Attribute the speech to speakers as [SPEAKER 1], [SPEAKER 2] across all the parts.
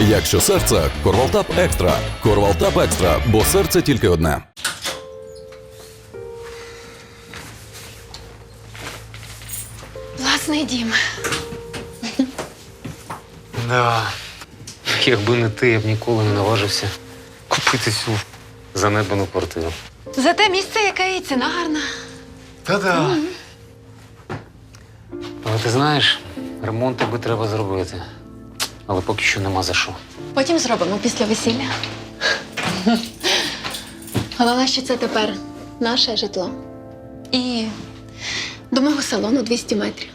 [SPEAKER 1] Якщо серце – Корвалтап Екстра. Корвалтап Екстра, бо серце тільки одне.
[SPEAKER 2] Власний дім.
[SPEAKER 3] Да. Якби не ти, я б ніколи не наважився купити цю занедбану квартиру.
[SPEAKER 2] Зате місце, яке і ціна гарна.
[SPEAKER 3] Та-да. Але ти знаєш, ремонт тобі треба зробити. Але поки що нема за що.
[SPEAKER 2] Потім зробимо після весілля. Головне, що це тепер наше житло. І до мого салону 200 метрів.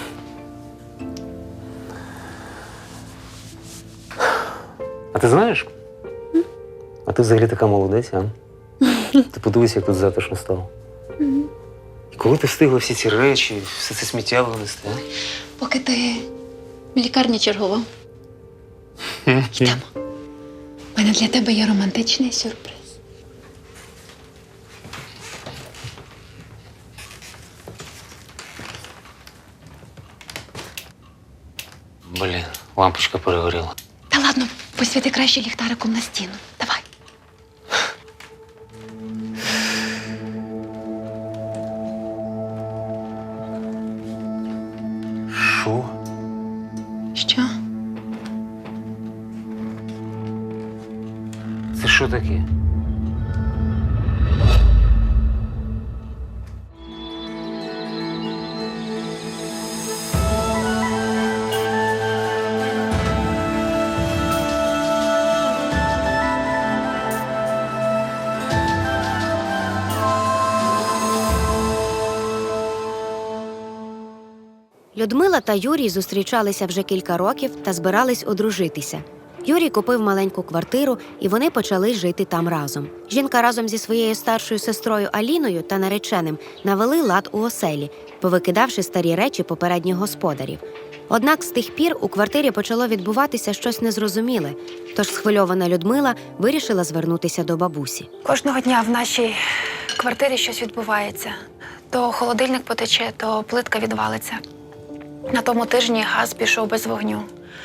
[SPEAKER 3] А ти знаєш? А ти взагалі така молодець, а? Ти подивись, як тут затишно стало. І коли ти встигла всі ці речі, все це сміття винести, а?
[SPEAKER 2] Поки ти в лікарні чергував. Йдемо. У мене для тебе є романтичний сюрприз.
[SPEAKER 3] Блін, лампочка перегоріла.
[SPEAKER 2] Та ладно, посвіти краще ліхтариком на стіну. Давай.
[SPEAKER 3] Що?
[SPEAKER 2] Що?
[SPEAKER 3] Це що таке?
[SPEAKER 4] Людмила та Юрій зустрічалися вже кілька років та збирались одружитися. Юрій купив маленьку квартиру, і вони почали жити там разом. Жінка разом зі своєю старшою сестрою Аліною та нареченим навели лад у оселі, повикидавши старі речі попередніх господарів. Однак з тих пір у квартирі почало відбуватися щось незрозуміле, тож схвильована Людмила вирішила звернутися до бабусі.
[SPEAKER 5] Кожного дня в нашій квартирі щось відбувається. То холодильник потече, то плитка відвалиться. На тому тижні газ пішов без вогню.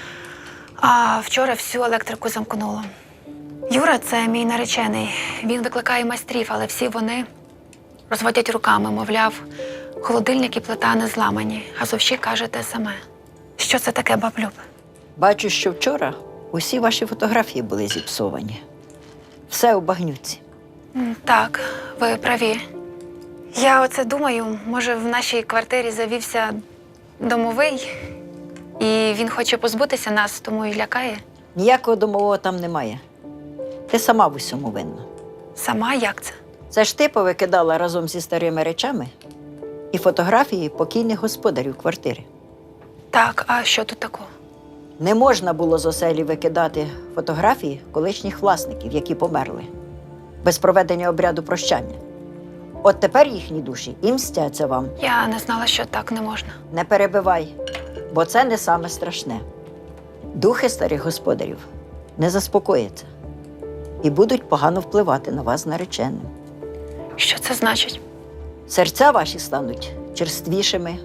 [SPEAKER 5] А вчора всю електрику замкнуло. Юра – це мій наречений. Він викликає майстрів, але всі вони розводять руками, мовляв, холодильник і плита не зламані. Газовщик каже те саме. Що це таке, баблюб?
[SPEAKER 6] Бачу, що вчора усі ваші фотографії були зіпсовані. Все у багнюці.
[SPEAKER 5] Так, ви праві. Я оце думаю, може в нашій квартирі завівся домовий, і він хоче позбутися нас, тому і лякає.
[SPEAKER 6] Ніякого домового там немає. Ти сама в усьому винна.
[SPEAKER 5] Сама як це?
[SPEAKER 6] Це ж ти повикидала разом зі старими речами і фотографії покійних господарів квартири.
[SPEAKER 5] Так, а що тут такого?
[SPEAKER 6] Не можна було з оселі викидати фотографії колишніх власників, які померли, без проведення обряду прощання. От тепер їхні душі і мстяться вам.
[SPEAKER 5] Я не знала, що так не можна.
[SPEAKER 6] Не перебивай, бо це не саме страшне. Духи старих господарів не заспокояться і будуть погано впливати на вас з нареченим.
[SPEAKER 5] Що це значить?
[SPEAKER 6] Серця ваші стануть черствішими,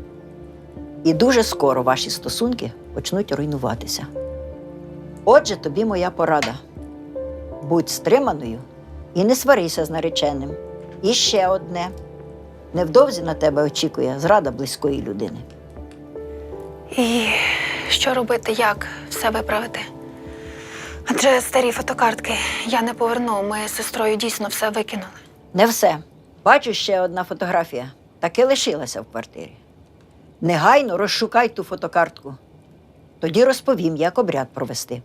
[SPEAKER 6] і дуже скоро ваші стосунки почнуть руйнуватися. Отже, тобі моя порада. Будь стриманою і не сварися з нареченим. І ще одне. Невдовзі на тебе очікує зрада близької людини.
[SPEAKER 5] І що робити, як все виправити? Адже старі фотокартки я не поверну, ми з сестрою дійсно все викинули.
[SPEAKER 6] Не все. Бачу, ще одна фотографія. Таки лишилася в квартирі. Негайно розшукай ту фотокартку. Тоді розповім, як обряд провести.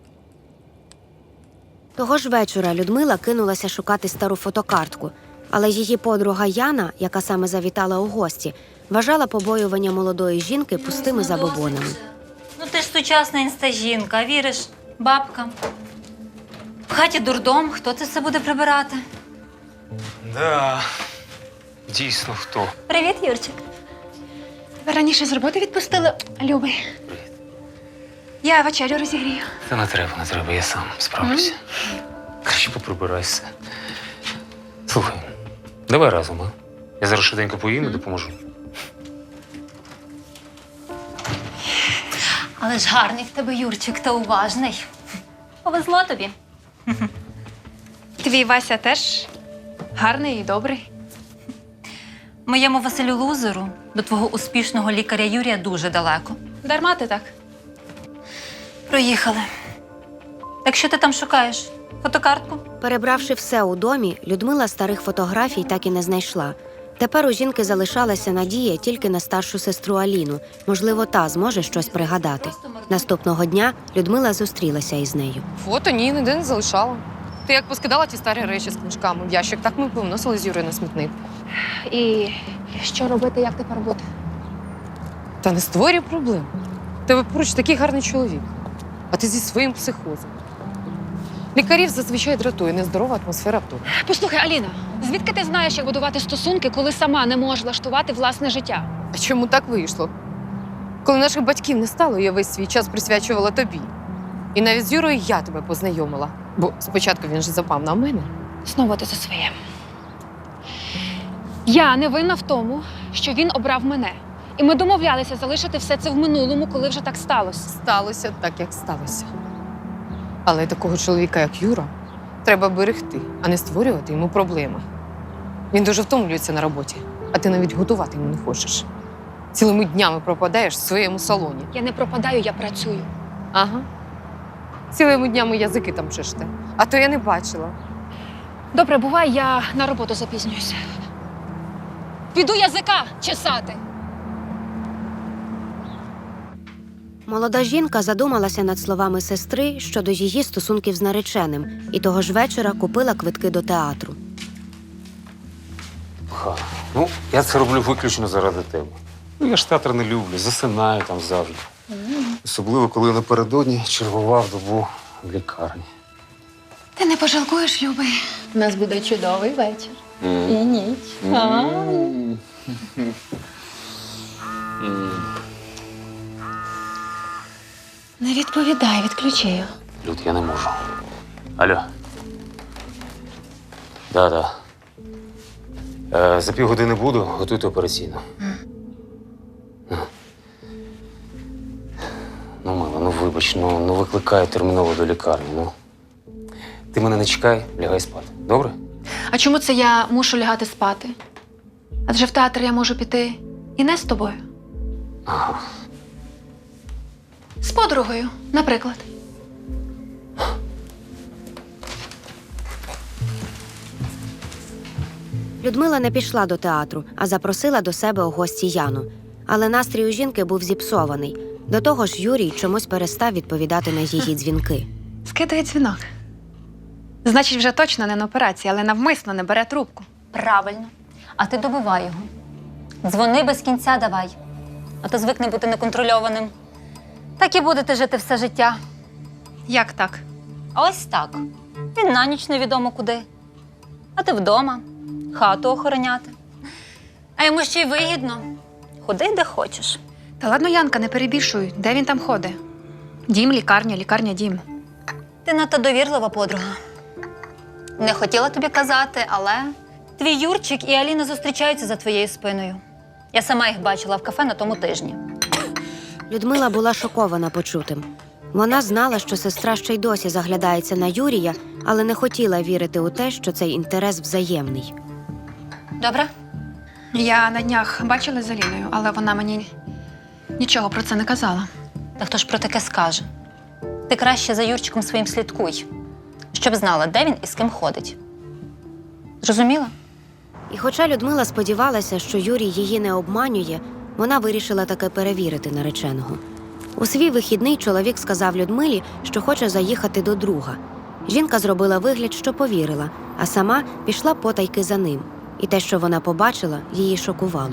[SPEAKER 4] Того ж вечора Людмила кинулася шукати стару фотокартку, але її подруга Яна, яка саме завітала у гості, вважала побоювання молодої жінки пустими забобонами.
[SPEAKER 7] Ну ти ж сучасна інстажінка, віриш бабкам. В хаті дурдом, хто це все буде прибирати?
[SPEAKER 3] Да. Дійсно, хто?
[SPEAKER 7] Привіт, Юрчик.
[SPEAKER 2] Тебе раніше з роботи відпустили, любий.
[SPEAKER 3] Привіт.
[SPEAKER 2] Я вечерю розігрію.
[SPEAKER 3] Та не треба, я сам справлюся. Краще поприбирайся. Слухай, давай разом, а? Я зараз швиденько поїм і допоможу.
[SPEAKER 7] Але ж гарний в тебе Юрчик та уважний. Повезло тобі.
[SPEAKER 5] Твій Вася теж гарний і добрий.
[SPEAKER 7] Моєму Василю Лузеру до твого успішного лікаря Юрія дуже далеко.
[SPEAKER 5] Дарма ти так.
[SPEAKER 7] Проїхали. Так що ти там шукаєш? Фотокартку?
[SPEAKER 4] Перебравши все у домі, Людмила старих фотографій так і не знайшла. Тепер у жінки залишалася надія тільки на старшу сестру Аліну. Можливо, та зможе щось пригадати. Наступного дня Людмила зустрілася із нею.
[SPEAKER 8] Фото ні, ніде не залишала. Ти як поскидала ті старі речі з книжками в ящик, так ми й повносили з Юрою на смітник.
[SPEAKER 5] І що робити, як тепер бути?
[SPEAKER 8] Та не створюй проблем. В тебе поруч такий гарний чоловік, а ти зі своїм психозом. Лікарів зазвичай дратує нездорова атмосфера вдома.
[SPEAKER 5] Послухай, Аліна, звідки ти знаєш, як будувати стосунки, коли сама не можеш влаштувати власне життя?
[SPEAKER 8] А чому так вийшло? Коли наших батьків не стало, я весь свій час присвячувала тобі. І навіть з Юрою я тебе познайомила. Бо спочатку він же запав на мене.
[SPEAKER 5] Знову ти за своє. Я не винна в тому, що він обрав мене. І ми домовлялися залишити все це в минулому, коли вже так сталося.
[SPEAKER 8] Сталося так, як сталося. Але такого чоловіка, як Юра, треба берегти, а не створювати йому проблеми. Він дуже втомлюється на роботі, а ти навіть готувати йому не хочеш. Цілими днями пропадаєш в своєму салоні.
[SPEAKER 5] Я не пропадаю, я працюю.
[SPEAKER 8] Ага. Цілими днями язики там чеште. А то я не бачила.
[SPEAKER 5] Добре, бувай, я на роботу запізнююся. Піду язика чесати.
[SPEAKER 4] Молода жінка задумалася над словами сестри щодо її стосунків з нареченим і того ж вечора купила квитки до театру.
[SPEAKER 3] Ну, я це роблю виключно заради тебе. Ну, я ж театр не люблю, засинаю там завжди. Особливо, коли напередодні чергував добу в лікарні.
[SPEAKER 2] Ти не пожалкуєш, любий. У нас буде чудовий вечір. І ніч. Не відповідай, відключи.
[SPEAKER 3] Люд, я не можу. Алло. Да. За півгодини буду, готуйте операційну. Ну, мила, ну вибач, ну викликаю терміново до лікарні, ну. Ти мене не чекай, лягай спати. Добре?
[SPEAKER 2] А чому це я мушу лягати спати? Адже в театр я можу піти і не з тобою.
[SPEAKER 3] Ага.
[SPEAKER 2] З подругою, наприклад.
[SPEAKER 4] Людмила не пішла до театру, а запросила до себе у гості Яну. Але настрій у жінки був зіпсований. До того ж, Юрій чомусь перестав відповідати на її дзвінки.
[SPEAKER 5] Скидає дзвінок. Значить, вже точно не на операції, але навмисно не бере трубку.
[SPEAKER 7] Правильно. А ти добивай його. Дзвони без кінця давай. А то звикне бути неконтрольованим. Так і будете жити все життя.
[SPEAKER 5] Як так?
[SPEAKER 7] А ось так. Він на ніч невідомо куди. А ти вдома, хату охороняти. А йому ще й вигідно. Ходи, де хочеш.
[SPEAKER 5] Та ладно, Янка, не перебільшуй. Де він там ходить? Дім, лікарня, лікарня, дім.
[SPEAKER 7] Ти надто довірлива подруга. Не хотіла тобі казати, але твій Юрчик і Аліна зустрічаються за твоєю спиною. Я сама їх бачила в кафе на тому тижні.
[SPEAKER 4] Людмила була шокована почутим. Вона знала, що сестра ще й досі заглядається на Юрія, але не хотіла вірити у те, що цей інтерес взаємний.
[SPEAKER 7] Добре?
[SPEAKER 5] Я на днях бачила з Аліною, але вона мені нічого про це не казала.
[SPEAKER 7] Та хто ж про таке скаже? Ти краще за Юрчиком своїм слідкуй, щоб знала, де він і з ким ходить. Зрозуміла?
[SPEAKER 4] І хоча Людмила сподівалася, що Юрій її не обманює, вона вирішила таки перевірити нареченого. У свій вихідний чоловік сказав Людмилі, що хоче заїхати до друга. Жінка зробила вигляд, що повірила, а сама пішла потайки за ним. І те, що вона побачила, її шокувало.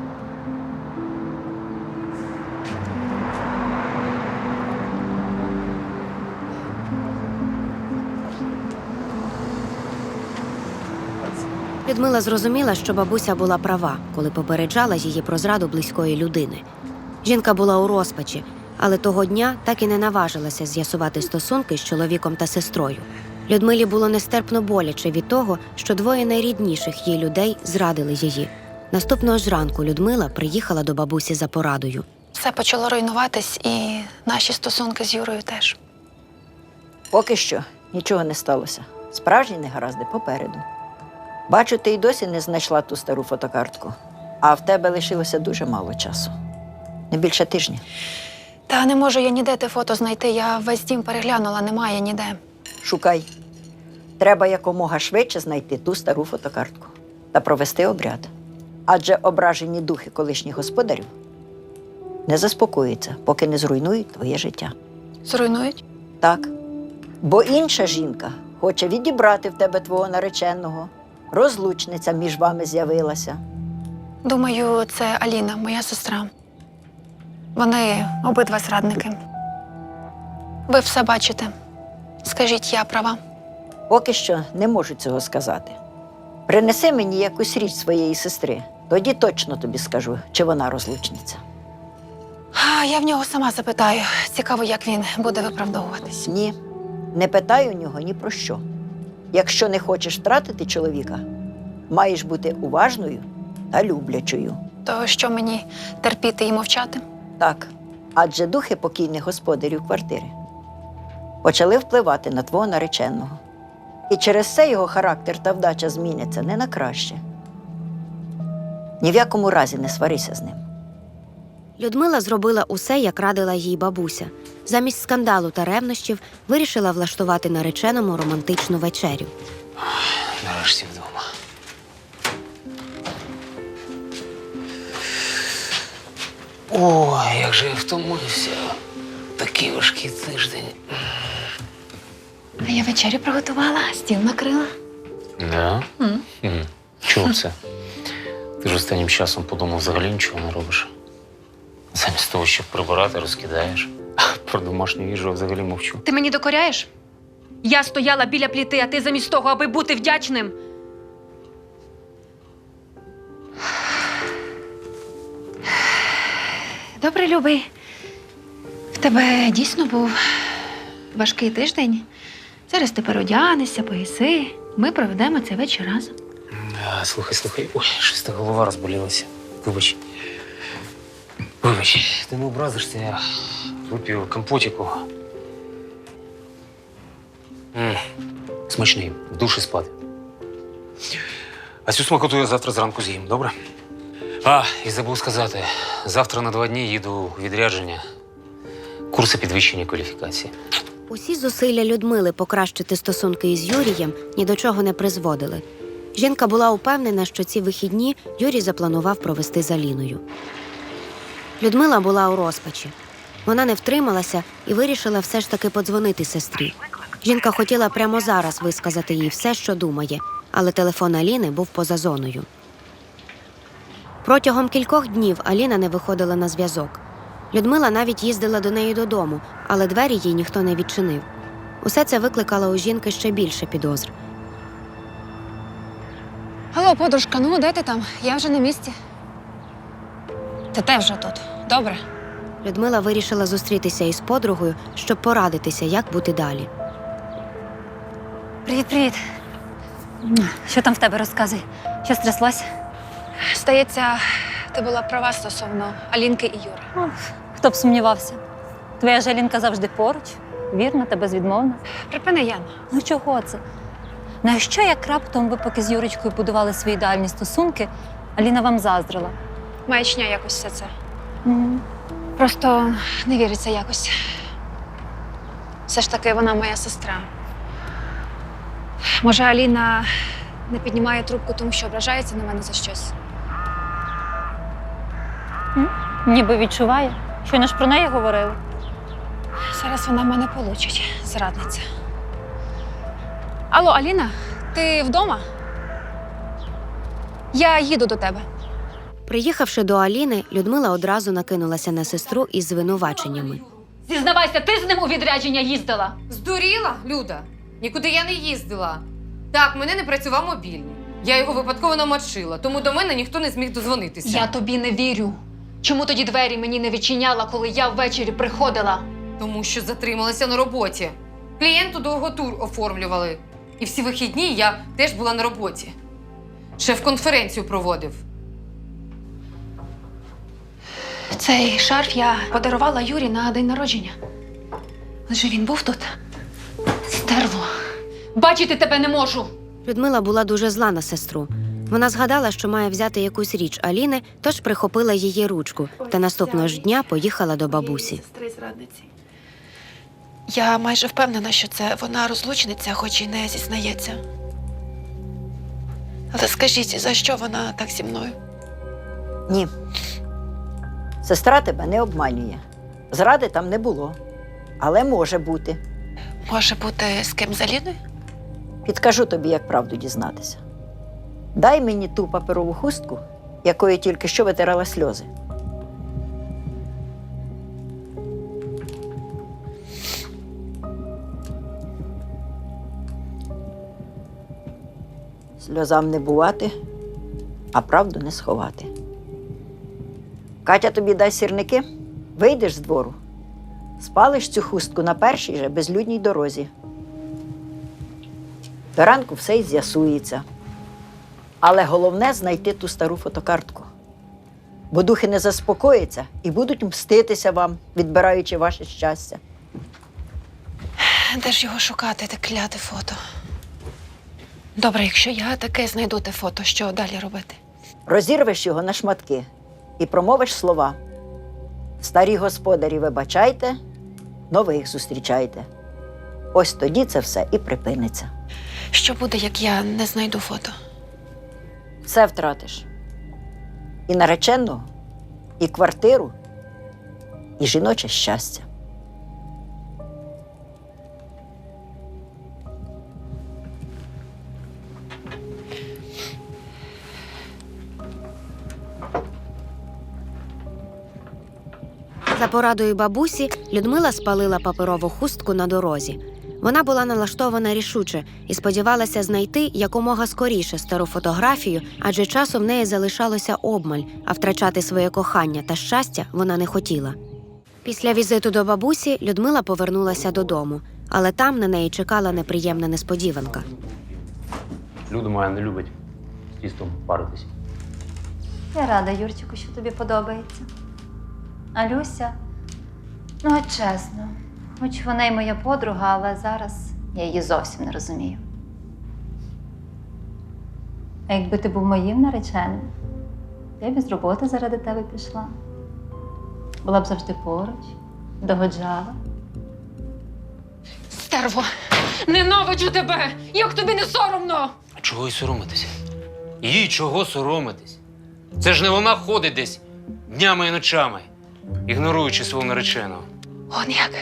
[SPEAKER 4] Людмила зрозуміла, що бабуся була права, коли попереджала її про зраду близької людини. Жінка була у розпачі, але того дня так і не наважилася з'ясувати стосунки з чоловіком та сестрою. Людмилі було нестерпно боляче від того, що двоє найрідніших їй людей зрадили її. Наступного ж ранку Людмила приїхала до бабусі за порадою.
[SPEAKER 5] Все почало руйнуватись, і наші стосунки з Юрою теж.
[SPEAKER 6] Поки що нічого не сталося. Справжні негаразди попереду. Бачу, ти й досі не знайшла ту стару фотокартку, а в тебе лишилося дуже мало часу. Не більше тижня.
[SPEAKER 5] Та не можу я ніде те фото знайти. Я весь дім переглянула, немає ніде.
[SPEAKER 6] Шукай. Треба якомога швидше знайти ту стару фотокартку та провести обряд. Адже ображені духи колишніх господарів не заспокоїться, поки не зруйнують твоє життя.
[SPEAKER 5] Зруйнують?
[SPEAKER 6] Так. Бо інша жінка хоче відібрати в тебе твого нареченого. Розлучниця між вами з'явилася.
[SPEAKER 5] Думаю, це Аліна, моя сестра. Вони обидва зрадники. Ви все бачите. Скажіть, я права?
[SPEAKER 6] Поки що не можу цього сказати. Принеси мені якусь річ своєї сестри, тоді точно тобі скажу, чи вона розлучниця.
[SPEAKER 5] Я в нього сама запитаю. Цікаво, як він буде виправдовуватись.
[SPEAKER 6] Ні, не питай у нього ні про що. Якщо не хочеш втратити чоловіка, маєш бути уважною та люблячою.
[SPEAKER 5] То що мені терпіти і мовчати?
[SPEAKER 6] Так, адже духи покійних господарів квартири почали впливати на твого нареченого. І через це його характер та вдача зміняться не на краще. Ні в якому разі не сварися з ним.
[SPEAKER 4] Людмила зробила усе, як радила їй бабуся. Замість скандалу та ревнощів вирішила влаштувати нареченому романтичну вечерю.
[SPEAKER 3] Нарешті вдома. Ой, як же я втомився. Такий важкий тиждень.
[SPEAKER 2] А я вечерю приготувала, стіл накрила.
[SPEAKER 3] Да? Чого це? Ти ж останнім часом подумав, взагалі нічого не робиш. Замість того, щоб прибирати, розкидаєш. Про домашню їжу взагалі мовчу.
[SPEAKER 9] Ти мені докоряєш? Я стояла біля пліти, а ти замість того, аби бути вдячним.
[SPEAKER 2] Добре, любий. В тебе дійсно був важкий тиждень. Зараз ти переодягнешся, поїси. Ми проведемо цей вечір разом.
[SPEAKER 3] Слухай. Ой, щось та голова розболілася. Вибач. Вибач, ти не образишся, я вип'ю компотіку. Смачний, в душі спати. А цю смакоту я завтра зранку з'їм, добре? І забув сказати, завтра на 2 дні їду у відрядження. Курси підвищення кваліфікації.
[SPEAKER 4] Усі зусилля Людмили покращити стосунки із Юрієм ні до чого не призводили. Жінка була упевнена, що ці вихідні Юрій запланував провести з Аліною. Людмила була у розпачі. Вона не втрималася і вирішила все ж таки подзвонити сестрі. Жінка хотіла прямо зараз висказати їй все, що думає, але телефон Аліни був поза зоною. Протягом кількох днів Аліна не виходила на зв'язок. Людмила навіть їздила до неї додому, але двері їй ніхто не відчинив. Усе це викликало у жінки ще більше підозр.
[SPEAKER 5] Алло, подружка, ну де ти там? Я вже на місці. Ти теж вже тут. Добре.
[SPEAKER 4] Людмила вирішила зустрітися із подругою, щоб порадитися, як бути далі.
[SPEAKER 7] Привіт. Що там в тебе, розказуй? Що стряслось?
[SPEAKER 5] Здається, ти була права стосовно Алінки і Юри.
[SPEAKER 7] Хто б сумнівався? Твоя Жалінка завжди поруч, вірна та безвідмовна.
[SPEAKER 5] Припини, Яна.
[SPEAKER 7] Ну чого це? На що, як раптом ви поки з Юрочкою будували свої ідеальні стосунки, Аліна вам заздрила?
[SPEAKER 5] Маячня якось все це. Просто не віриться якось. Все ж таки, вона моя сестра. Може, Аліна не піднімає трубку, тому що ображається на мене за щось?
[SPEAKER 7] Ніби відчуває. Щойно ж про неї говорили.
[SPEAKER 5] Зараз вона в мене получить, зрадниця. Алло, Аліна, ти вдома? Я їду до тебе.
[SPEAKER 4] Приїхавши до Аліни, Людмила одразу накинулася на сестру із звинуваченнями.
[SPEAKER 9] Зізнавайся, ти з ним у відрядження їздила?
[SPEAKER 8] Здуріла, Люда? Нікуди я не їздила. Так, в мене не працював мобільний. Я його випадково намочила, тому до мене ніхто не зміг дозвонитися.
[SPEAKER 9] Я тобі не вірю. Чому тоді двері мені не відчиняла, коли я ввечері приходила?
[SPEAKER 8] Тому що затрималася на роботі. Клієнту довго тур оформлювали. І всі вихідні я теж була на роботі. Шеф конференцію проводив.
[SPEAKER 2] Оцей шарф я подарувала Юрі на день народження. Лише він був тут. Стерво.
[SPEAKER 9] Бачити тебе не можу.
[SPEAKER 4] Людмила була дуже зла на сестру. Вона згадала, що має взяти якусь річ Аліни, тож прихопила її ручку та наступного ж дня поїхала до бабусі.
[SPEAKER 5] Сестри-зрадниці. Я майже впевнена, що це вона розлучниця, хоч і не зізнається. Але скажіть, за що вона так зі мною?
[SPEAKER 6] Ні. Сестра тебе не обманює. Зради там не було. Але може бути.
[SPEAKER 5] Може бути, з ким з Аліною?
[SPEAKER 6] Підкажу тобі, як правду дізнатися. Дай мені ту паперову хустку, якою тільки що витирала сльози. Сльозам не бувати, а правду не сховати. Катя тобі дасть сірники, вийдеш з двору, спалиш цю хустку на першій же безлюдній дорозі. До ранку все й з'ясується. Але головне – знайти ту стару фотокартку. Бо духи не заспокояться і будуть мститися вам, відбираючи ваше щастя.
[SPEAKER 5] Де ж його шукати, те кляте фото? Добре, якщо я таке знайду те фото, що далі робити?
[SPEAKER 6] Розірвеш його на шматки і промовиш слова. Старі господарі вибачайте, нових зустрічайте. Ось тоді це все і припиниться.
[SPEAKER 5] Що буде, як я не знайду фото?
[SPEAKER 6] Все втратиш. І нареченого, і квартиру, і жіноче щастя.
[SPEAKER 4] За порадою бабусі Людмила спалила паперову хустку на дорозі. Вона була налаштована рішуче і сподівалася знайти якомога скоріше стару фотографію, адже часу в неї залишалося обмаль, а втрачати своє кохання та щастя вона не хотіла. Після візиту до бабусі Людмила повернулася додому, але там на неї чекала неприємна несподіванка.
[SPEAKER 3] Люда моя не любить з тістом паритись.
[SPEAKER 7] Я рада, Юрчику, що тобі подобається. А Люся, ну от чесно, хоч вона й моя подруга, але зараз я її зовсім не розумію. А якби ти був моїм нареченим, я б із роботи заради тебе пішла. Була б завжди поруч, догоджала.
[SPEAKER 9] Стерво, ненавиджу тебе! Як тобі не соромно?
[SPEAKER 3] А чого й соромитися? Їй чого соромитись? Це ж не вона ходить десь днями і ночами, ігноруючи свого нареченого.
[SPEAKER 5] Он як?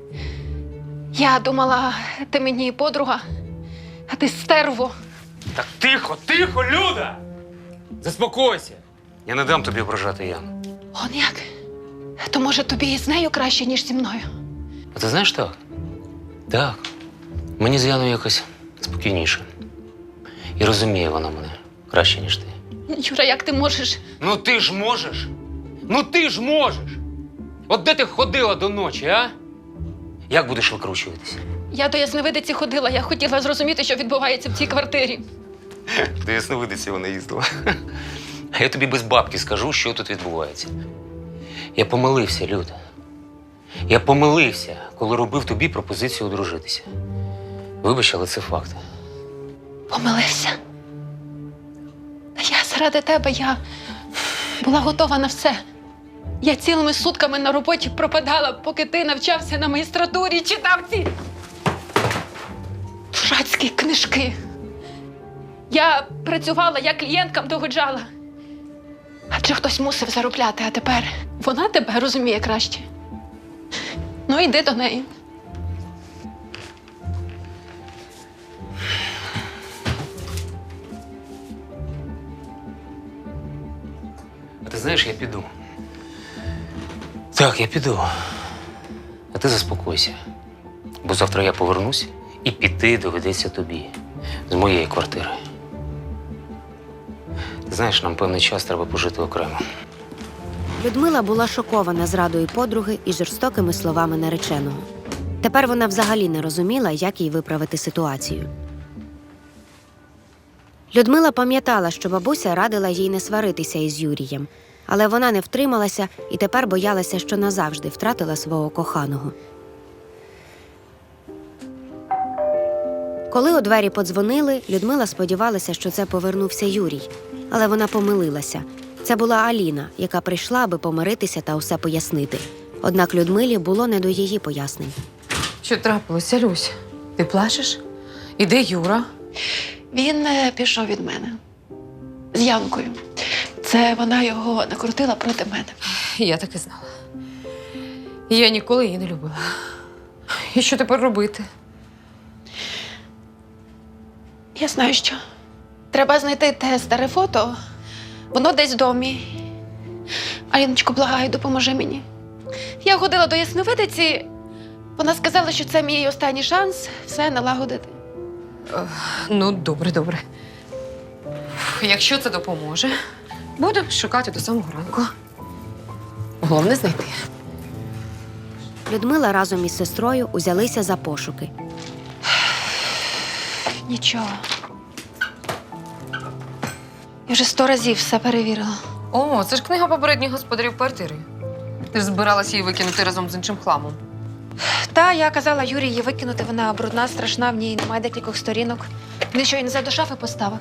[SPEAKER 5] Я думала, ти мені подруга, а ти стерво.
[SPEAKER 3] Так тихо, тихо, Люда! Заспокойся! Я не дам тобі ображати Яну.
[SPEAKER 5] Он як? То може тобі з нею краще, ніж зі мною?
[SPEAKER 3] А ти знаєш так? Так. Мені з Яною якось спокійніше. І розуміє вона мене краще, ніж ти.
[SPEAKER 5] Юра, як ти можеш?
[SPEAKER 3] Ну ти ж можеш! Ну ти ж можеш! От де ти ходила до ночі, а? Як будеш викручуватися?
[SPEAKER 5] Я до ясновидиці ходила, я хотіла зрозуміти, що відбувається в цій квартирі.
[SPEAKER 3] До ясновидиці вона їздила. А я тобі без бабки скажу, що тут відбувається. Я помилився, Люда. Я помилився, коли робив тобі пропозицію одружитися. Вибач, але це факт.
[SPEAKER 5] Помилився. Та я заради тебе, я була готова на все. Я цілими сутками на роботі пропадала, поки ти навчався на магістратурі, читав ці дурацькі книжки. Я працювала, я клієнткам догоджала. Адже хтось мусив заробляти, а тепер вона тебе розуміє краще. Ну, йди до неї.
[SPEAKER 3] А ти знаєш, я піду. Так, я піду. А ти заспокойся. Бо завтра я повернусь і піти доведеться тобі. З моєї квартири. Ти знаєш, нам певний час треба пожити окремо.
[SPEAKER 4] Людмила була шокована зрадою подруги і жорстокими словами нареченого. Тепер вона взагалі не розуміла, як їй виправити ситуацію. Людмила пам'ятала, що бабуся радила їй не сваритися із Юрієм. Але вона не втрималася і тепер боялася, що назавжди втратила свого коханого. Коли у двері подзвонили, Людмила сподівалася, що це повернувся Юрій. Але вона помилилася. Це була Аліна, яка прийшла, аби помиритися та усе пояснити. Однак Людмилі було не до її пояснень.
[SPEAKER 8] Що трапилося, Люсь? Ти плачеш? І де Юра?
[SPEAKER 2] Він пішов від мене з Янкою. Це вона його накрутила проти мене.
[SPEAKER 8] Я так і знала. Я ніколи її не любила. І що тепер робити?
[SPEAKER 2] Я знаю, що. Треба знайти те старе фото. Воно десь в домі. Аліночко, благаю, допоможи мені. Я ходила до ясновидиці. Вона сказала, що це мій останній шанс все налагодити.
[SPEAKER 8] Ну, добре, добре. Якщо це допоможе, буду шукати до самого ранку. Головне знайти.
[SPEAKER 4] Людмила разом із сестрою узялися за пошуки.
[SPEAKER 2] Нічого. Я вже 100 разів все перевірила.
[SPEAKER 8] О, це ж книга попередніх господарів квартири. Ти ж збиралася її викинути разом з іншим хламом.
[SPEAKER 2] Та я казала Юрі її викинути, вона брудна, страшна, в ній немає декількох сторінок. Він що, і не до шафи поставив.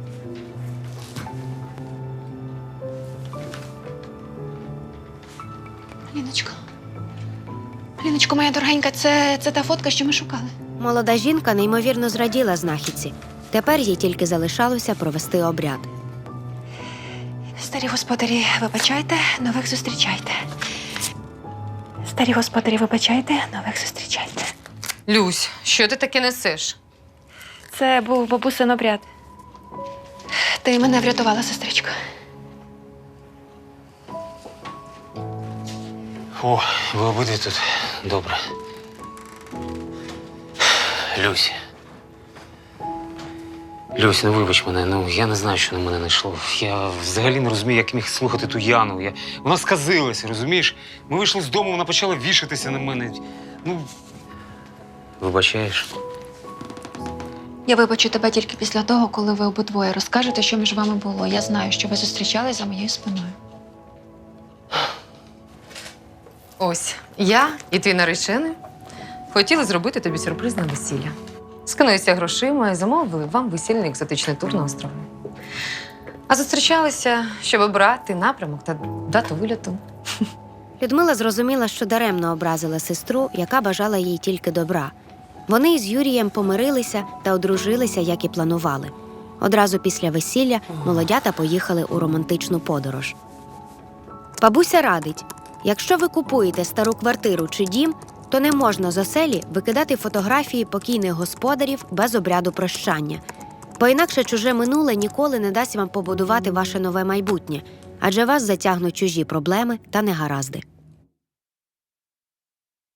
[SPEAKER 2] Ліночко. Ліночко, моя дорогенька, це та фотка, що ми шукали.
[SPEAKER 4] Молода жінка неймовірно зраділа знахідці. Тепер їй тільки залишалося провести обряд.
[SPEAKER 2] Старі господарі, вибачайте, нових зустрічайте. Старі господарі, вибачайте, нових зустрічайте.
[SPEAKER 8] Люсь, що ти таке несеш?
[SPEAKER 2] Це був бабусин обряд. Ти мене врятувала, сестричко.
[SPEAKER 3] О, ви обидві тут. Добре. Люсь. Люсь, ну вибач мене, ну я не знаю, що на мене найшло. Я взагалі не розумію, як міг слухати ту Яну. Вона сказилася, розумієш? Ми вийшли з дому, вона почала вішатися на мене. Ну, вибачаєш?
[SPEAKER 2] Я вибачу тебе тільки після того, коли ви обидвоє розкажете, що між вами було. Я знаю, що ви зустрічались за моєю спиною.
[SPEAKER 8] Ось, я і твій наречений хотіли зробити тобі сюрприз на весілля. Скинулися грошима і замовили вам весільний екзотичний тур на острови. А зустрічалися, щоб обрати напрямок та дату вильоту.
[SPEAKER 4] Людмила зрозуміла, що даремно образила сестру, яка бажала їй тільки добра. Вони із Юрієм помирилися та одружилися, як і планували. Одразу після весілля молодята поїхали у романтичну подорож. Бабуся радить, якщо ви купуєте стару квартиру чи дім, то не можна з оселі викидати фотографії покійних господарів без обряду прощання. Бо інакше чуже минуле ніколи не дасть вам побудувати ваше нове майбутнє, адже вас затягнуть чужі проблеми та негаразди.